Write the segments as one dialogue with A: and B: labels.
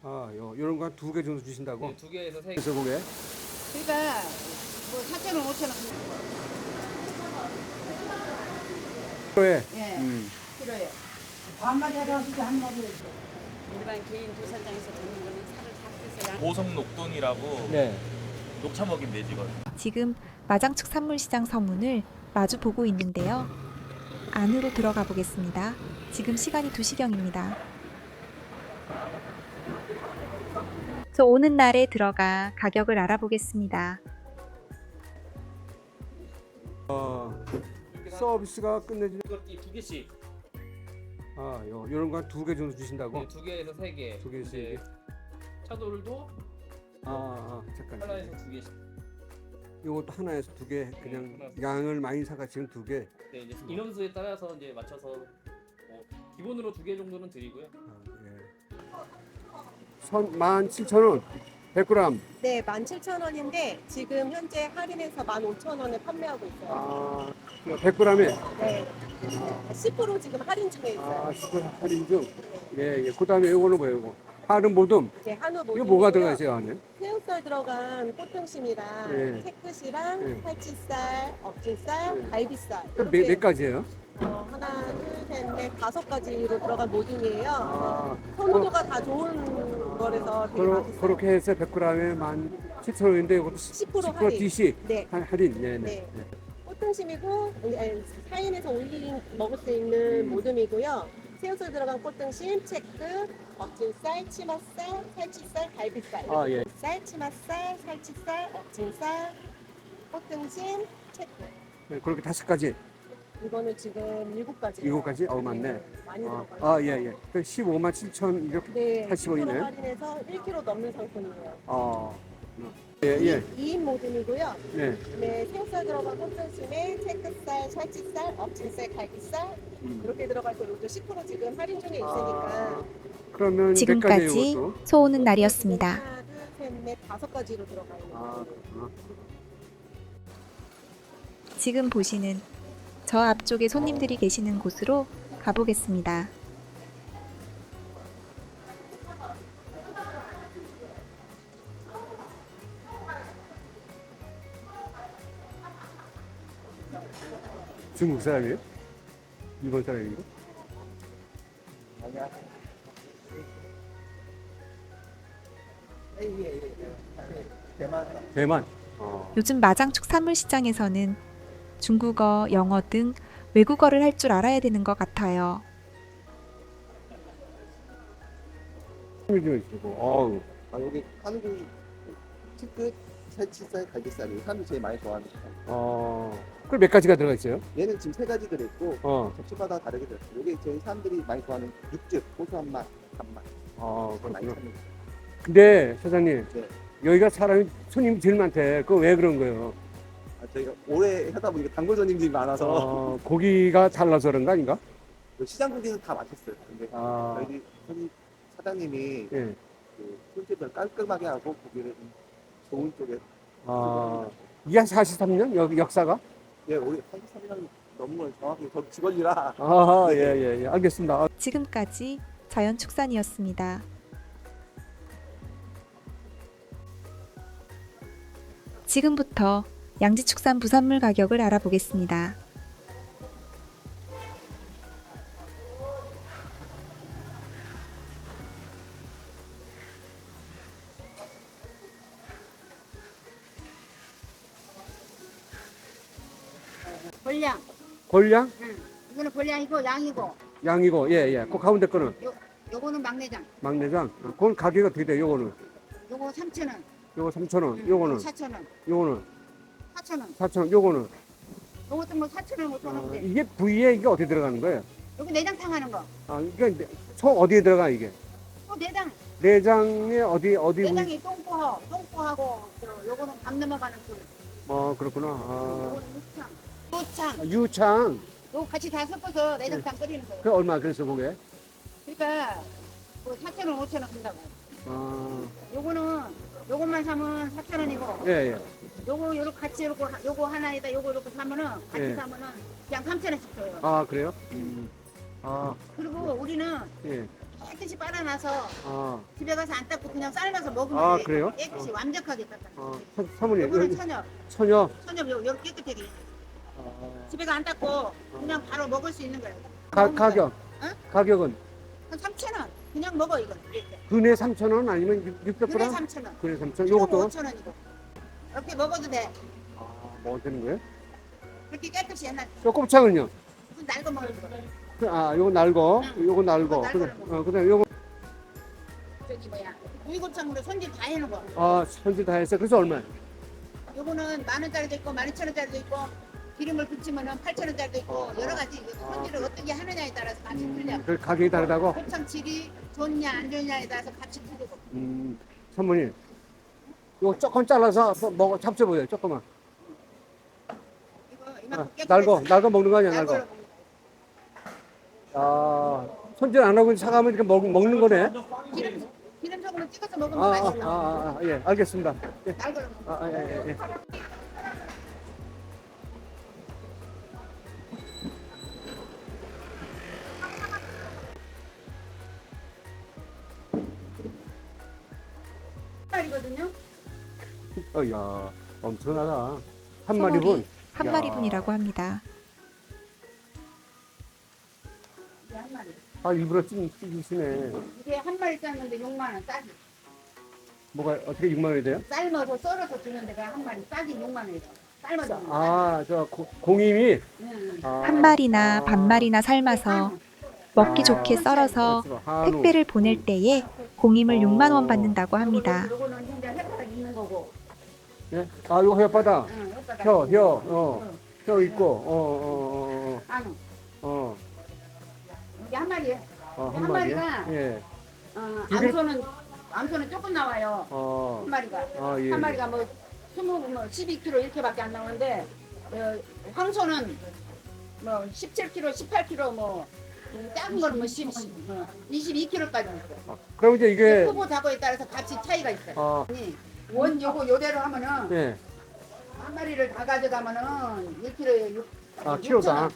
A: 요런 거 두 개 정도 주신다고?
B: 네, 두 개에서 세 개.
A: 그래서 그게
C: 그러니까 뭐 4,000원, 5,000원.
A: 필요해.
C: 예. 필요해요.
D: 일반 개인 도살장에서 듣는 거는 살을 다 떼서
B: 보성 녹돈이라고
A: 네.
B: 녹차 먹인 돼지거든요.
E: 지금 마장축 산물시장 서문을 마주 보고 있는데요. 안으로 들어가 보겠습니다. 지금 시간이 2시경입니다. 저 오는 날에 들어가 가격을 알아보겠습니다.
A: 서비스가 끝내주는.
B: 이거 두 개씩.
A: 요런 거 두 개 정도 주신다고?
B: 네, 두 개에서 세 개.
A: 두 개씩.
B: 이제 차돌도
A: 잠깐.
B: 하나에서 두 개씩.
A: 요것도 하나에서 두 개, 그냥
B: 하나에서.
A: 양을 많이 사가 지금 두 개.
B: 네, 이제 인원수에 따라서 이제 맞춰서 기본으로 두 개 정도는 드리고요.
A: 예. 17,000원 100g.
F: 네, 17,000원인데 지금 현재 할인해서 15,000원에 판매하고 있어요.
A: 100g에
F: 네. 10% 지금 할인 중에 있어요.
A: 10% 할인 중. 예. 그다음에 요거는 뭐예요? 요거? 하는 모듬.
F: 네, 한우 모듬.
A: 이거 뭐가 들어가 있어요, 안에?
F: 새우살 들어간 꽃등심이랑
A: 네.
F: 채끝이랑
A: 네.
F: 살치살, 억질살,
A: 네.
F: 갈비살.
A: 몇 가지예요?
F: 하나, 둘, 셋, 넷, 5가지로 들어간 모듬이에요.
A: 아,
F: 선호도가 다 좋은 거라서 되게 맛있어요.
A: 그렇게 해서 100g에 17,000원인데 이것도
F: 10%
A: 10%
F: 할인.
A: DC
F: 네.
A: 할인. 네.
F: 네. 꽃등심이고 사인에서 먹을 수 있는 모듬이고요. 새우살 들어간 꽃등심, 채끝, 억진살, 치맛살, 살치살, 갈비살.
A: 예.
F: 쌀, 치맛살, 살치살, 억진살, 꽃등심, 채끝.
A: 네, 그렇게 5가지.
F: 이거는 지금 7가지.
A: 7가지? 많네.
F: 많이 들어가요.
A: 예. 157,280원이네.
F: 네, 10% 할인해서 1kg 넘는 상품이에요.
A: 예.
F: 2인 모듬이고요.
A: 네.
F: 네, 새우살 들어간 꽃등심에 채끝살, 살치살, 억진살, 갈비살 이렇게 들어갈 거로 10% 지금 할인 중에 있으니까
A: 그러면 몇
E: 지금까지
A: 가지예요, 이것도?
E: 소 오는 날이었습니다.
F: 하나, 둘, 셋, 넷, 5가지로 들어가 있는 거예요.
E: 지금 보시는 저 앞쪽에 손님들이 계시는 곳으로 가보겠습니다.
A: 중국 사람이에요? 일본 사람인가? 대만.
E: 요즘 마장축 산물시장에서는 중국어, 영어 등 외국어를 할 줄 알아야 되는 것 같아요.
A: 좀 있고.
G: 여기 한국 특급 살치살, 갈비살이 사람들이 제일 많이 좋아하는 거.
A: 그럼 몇 가지가 들어가 있어요?
G: 얘는 지금 3가지 들어있고
A: 어.
G: 접시마다 다르게 들어있어요. 여기 저희 사람들이 많이 좋아하는 육즙, 고소한 맛, 단맛 그걸 많이
A: 그렇구나.
G: 찾는 거예요.
A: 근데 사장님,
G: 네.
A: 여기가 손님이 제일 많대. 그거 왜 그런 거예요?
G: 저희가 오래 하다 보니까 단골 손님들이 많아서
A: 고기가 달라서 그런 거 아닌가?
G: 시장 고기는 다 맛있어요. 근데 저희 사장님이
A: 예.
G: 그 손질을 깔끔하게 하고 고기를 좀 좋은 쪽에
A: 이게 한 43년? 역사가?
G: 예, 우리 33년 넘은 걸 정확히 저 직원이라
A: 예. 알겠습니다.
E: 지금까지 자연축산이었습니다. 지금부터 양지축산 부산물 가격을 알아보겠습니다.
C: 볼량.
A: 골량?
C: 이거는 볼량이고 양이고.
A: 양이고, 예. 그 가운데 거는
C: 요거는 막내장.
A: 막내장. 그건 가격이 어떻게 돼요? 요거는?
C: 요거 3,000원.
A: 요거 3,000원. 요거는?
C: 4,000원.
A: 요거는?
C: 4,000원.
A: 4,000원. 요거는?
C: 요것도 뭐 4,000원, 5,000원대.
A: 이게 부위에 이게 어떻게 들어가는 거예요?
C: 여기 내장탕 하는 거.
A: 그러니까 소 어디에 들어가 이게?
C: 내장.
A: 내장에 어디 부위?
C: 내장이 똥꼬하고 요거는 밥 넘어가는 술.
A: 그렇구나.
C: 요거는 유창.
A: 유창.
C: 요거 같이 다 섞어서 내장탕 끓이는 거예요.
A: 그 얼마 그래서 그게?
C: 그러니까 뭐 4,000원, 5,000원 한다고. 요거는 요것만 사면 4,000원이고.
A: 예.
C: 요거 같이 요거 하나에다 요거 이렇게 사면은 같이
A: 예.
C: 사면은 그냥 3,000원씩 줘요.
A: 그래요?
C: 그리고 우리는
A: 예.
C: 깨끗이 빨아놔서
A: 아,
C: 집에 가서 안 닦고 그냥 삶아서 먹으면
A: 아,
C: 돼.
A: 그래요?
C: 깨끗이 완벽하게 닦아.
A: 사모님,
C: 요거는
A: 여기
C: 천엽.
A: 처녀.
C: 천엽 요렇게 깨끗하게.
A: 아,
C: 집에 가 안 닦고 그냥 바로 먹을 수 있는 거예요.
A: 가격.
C: 응?
A: 가격은
C: 한 3,000원. 그냥 먹어 이거. 이렇게.
A: 근에 3,000원 아니면
C: 그래
A: 600g?
C: 3,000원.
A: 근에 3,000원. 요것도
C: 5,000원이고. 이렇게 먹어도 돼.
A: 뭐 되는 거예요?
C: 그렇게 깨끗이 옛날
A: 요 곱창은요?
C: 무슨 날거 먹는 거.
A: 아, 요거 날거. 요거 날거.
C: 요거 날거를
A: 그다음 요거
C: 저기 뭐야. 구이곱창으로 손질 다 해놓은 거.
A: 손질 다 했어요. 그래서 얼마?
C: 요거는 10,000원짜리도 있고 12,000원짜리도 있고 기름을 붙이면은 8,000원짜리도 있고 여러 가지 손질을 어떻게 하느냐에 따라서 값이 틀려.
A: 그 가격이 다르다고?
C: 곱창 질이 좋냐 안 좋냐에 따라서 값이 틀리고.
A: 사모님. 요거 조금 잘라서 먹어 잡숴보세요. 조금만.
C: 이거 이만큼 깨끗이
A: 날거 먹는 거 아니야, 날거.
C: 날거를 먹는
A: 손질 안 하고 사가면 이렇게 먹는 거네.
C: 거. 기름 소금을 찍어서 먹으면 맛있어.
A: 예, 알겠습니다. 예.
C: 날거를 먹는 거.
A: 예.
C: 말이거든요.
A: 야, 엄청나다. 한 마리분.
E: 한
A: 야.
E: 마리분이라고 합니다.
C: 이게 한 마리.
A: 일부러 찌시네.
C: 이게 한 마리 쌌는데 6만 원 싸지.
A: 뭐가 어떻게 6만 원이 돼요?
C: 삶아서 썰어서 주는 데가 한 마리 싸지 6만 원이죠. 삶아서.
A: 저 공임이.
C: 응.
E: 한 마리나 반마리나 삶아서 먹기 좋게 썰어서
A: 한우.
E: 택배를 보낼 때에 공임을 6만 원 받는다고 합니다.
C: 요거는 현재 햇바닥 있는 거고.
A: 예? 요거 혓바닥.
C: 응, 햇바닥.
A: 혀 있고,
C: 한우. 이게 한 마리에.
A: 한
C: 한
A: 마리에?
C: 마리가
A: 예.
C: 암소는 조금 나와요. 한 마리가.
A: 예.
C: 한 마리가 뭐 12kg 이렇게밖에 안 나오는데 황소는 뭐 17kg, 18kg 뭐 작은 거는 뭐 22kg까지 있어요.
A: 그럼 이제 이게,
C: 크고 작고에 따라서 값이 차이가 있어요. 아니, 원 요대로 하면은
A: 예.
C: 한 마리를 다 가져가면은 1kg에
A: 키로당.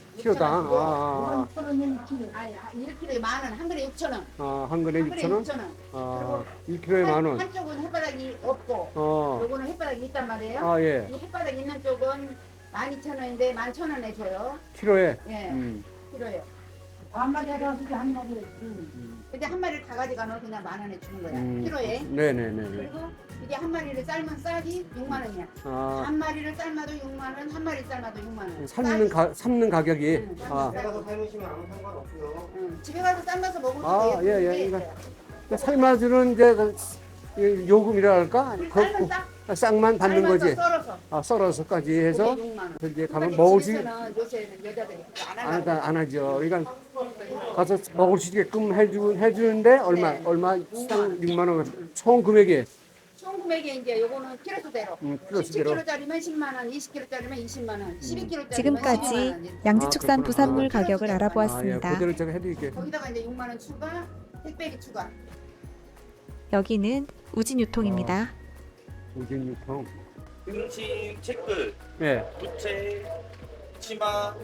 C: 1kg에 만 원, 한 그릇에 6,000원.
A: 한 근에
C: 한 그릇에
A: 6,000원?
C: 6,000원.
A: 1kg에 만 원.
C: 한쪽은 햇바닥이 없고, 요거는 햇바닥이 있단 말이에요.
A: 예.
C: 이 햇바닥 있는 쪽은 12,000원인데 11,000원에 줘요.
A: 키로에.
C: 예, 키로에. 한 마리 해가지고 한 마리. 근데 한 마리를 다 가져가면 그냥 10,000원에 주는 거야. 키로에.
A: 네네네.
C: 그리고 이게 한 마리를 삶은 쌀이 6만 원이야. 한 마리를 삶아도 6만 원, 한 마리 삶아도 6만 원.
A: 삶는 가격이.
C: 응,
G: 가서 삶으시면 아무 상관없고요.
C: 집에 가서 삶아서 먹으면
A: 예. 이거 삶아주는 이제 요금이라 할까?
C: 삶은
A: 싹만 받는 거지.
C: 썰어서.
A: 썰어서까지 해서
C: 6만 원.
A: 이제 가면 먹을 수
C: 요새는 여자들이 안 하고.
A: 안 하죠. 그러니까 가서 먹을 수 있게끔 해주는데 얼마 6만 원 총 금액이.
C: 총 금액이 이제 요거는 키로수대로.
A: 키로수대로.
C: 17kg짜리면 10만 원, 20kg짜리면 20만 원, 12kg짜리면
E: 지금까지
C: 12만 원.
E: 양지축산
A: 그렇구나.
E: 부산물 가격을
A: 예,
E: 알아보았습니다.
A: 그대로 제가 해드릴게요.
C: 거기다가 이제 6만 원 추가, 택배비 추가.
E: 여기는 우진유통입니다.
A: 우진 유통.
H: 등심, 채끝,
A: 예.
H: 부채, 치마,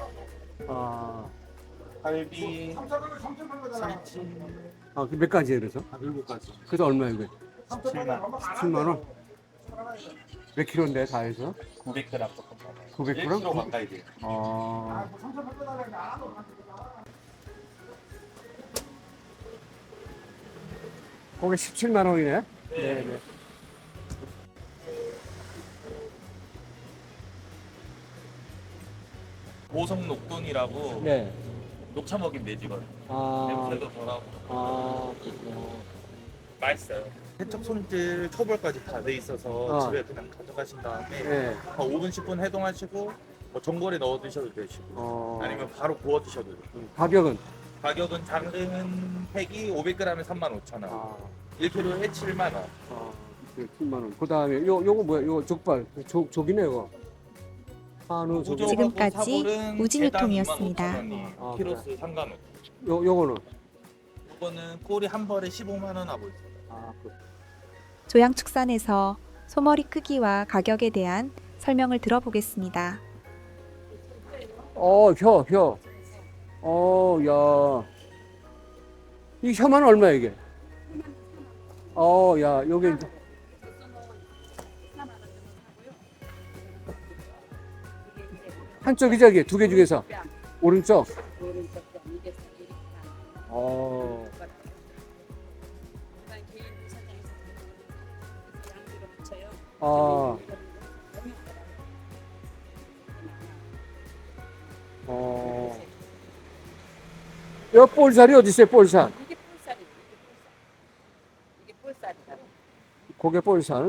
H: 갈비, 삼치,
A: 몇 가지예요, 그래서?
H: 7가지.
A: 그래서 얼마예요, 이거?
H: 17만
A: 17만 원? 몇 킬로인데 다 해서?
H: 900g 조금 넘어요.
A: 900g?
H: 1kg 가까이 돼요.
A: 그게 17만 원이네? 네.
H: 보성 녹동이라고
A: 네.
H: 녹차 먹인 돼지거든요.
A: 아,
H: 냄새도 덜하고
A: 아,
H: 맛있어요. 세척 손질 초벌까지 다 돼 있어서
A: 아.
H: 집에 그냥 가져가신 다음에
A: 네.
H: 5분 10분 해동하시고 뭐 전골에 넣어 드셔도 되시고 아니면 바로 구워 드셔도 돼요.
A: 가격은?
H: 가격은 작은 팩이 500g에 35,000원, 1kg에 7만 원.
A: 7만 원. 그 다음에 요거 뭐야? 요거 족발. 족이네, 이거. 한우 족.
E: 지금까지 우진유통이었습니다.
H: 아, 키로수 상관없고.
A: 요거는?
H: 이거는 꼬리 한 벌에 15만 원 하고 있어요.
E: 조양축산에서 소머리 크기와 가격에 대한 설명을 들어보겠습니다.
A: 혀. 야. 이 혐한은 얼마야 이게? 야 여기 이제 한쪽이 저기 두 개 중에서 오른쪽.
D: 일반 개인 도살장에서 양주로 붙여요.
A: 아, 여 볼살이 어디 있어요? 볼살.
D: 이게 볼살이에요. 이게 볼살이다.
A: 고개 볼살.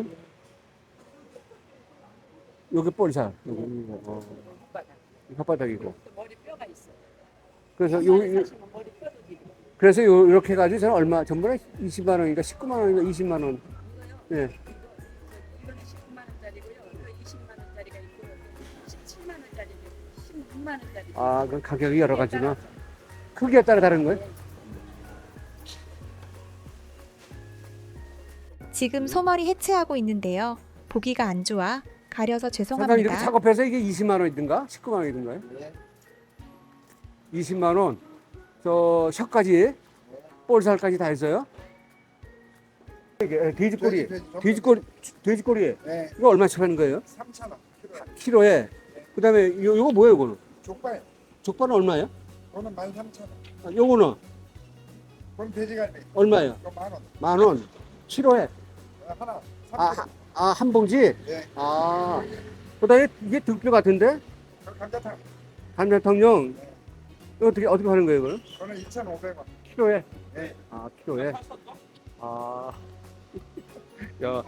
A: 여기 볼살. 여기 혓바닥이고.
D: 또 머리 뼈가 있어요.
A: 그래서
D: 사시면 머리 뼈도 길고.
A: 그래서 이렇게 해가지고 저는 얼마 전번에 20만 원인가 19만 원인가 20만 원. 예.
D: 이거는 19만 원짜리고요. 이거 20만 원짜리가 있고요. 17만 원짜리, 16만 원짜리.
A: 아, 그 가격이 여러 가지나. 크기에 따라 다른 거예요?
E: 지금 소머리 해체하고 있는데요. 보기가 안 좋아 가려서
A: 사장님 이렇게
E: 죄송합니다.
G: 네.
A: 작업해서 이게 20만 원이든가 19만 원이든가요? 20만 원. 저 혀까지 볼살까지 다 했어요? 이게 돼지꼬리, 돼지꼬리.
G: 네,
A: 이거 얼마씩 하는 거예요?
G: 3,000원.
A: 키로에. 그다음에 요거 뭐예요, 이거는?
G: 족발.
A: 족발은 얼마예요?
G: 그거는 13,000원.
A: 아, 요거는
G: 그건 돼지갈비.
A: 얼마예요?
G: 그거 만 원.
A: 만 원. 키로에.
G: 하나.
A: 한 봉지?
G: 예.
A: 아. 그다음에 이게 등뼈 같은데?
G: 감자탕.
A: 감자탕용. 이거 어떻게 하는 거예요, 이거는?
G: 그거는 2,500원.
A: 키로에?
G: 네.
A: 아, 키로에. 아. 야.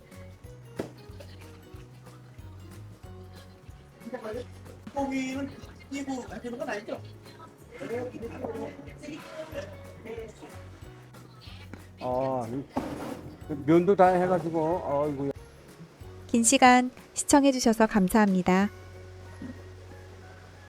H: 고기는 끼고 하시는 건 아니죠?
A: 면도 다 해가지고, 아이고.
E: 긴 시간 시청해주셔서 감사합니다.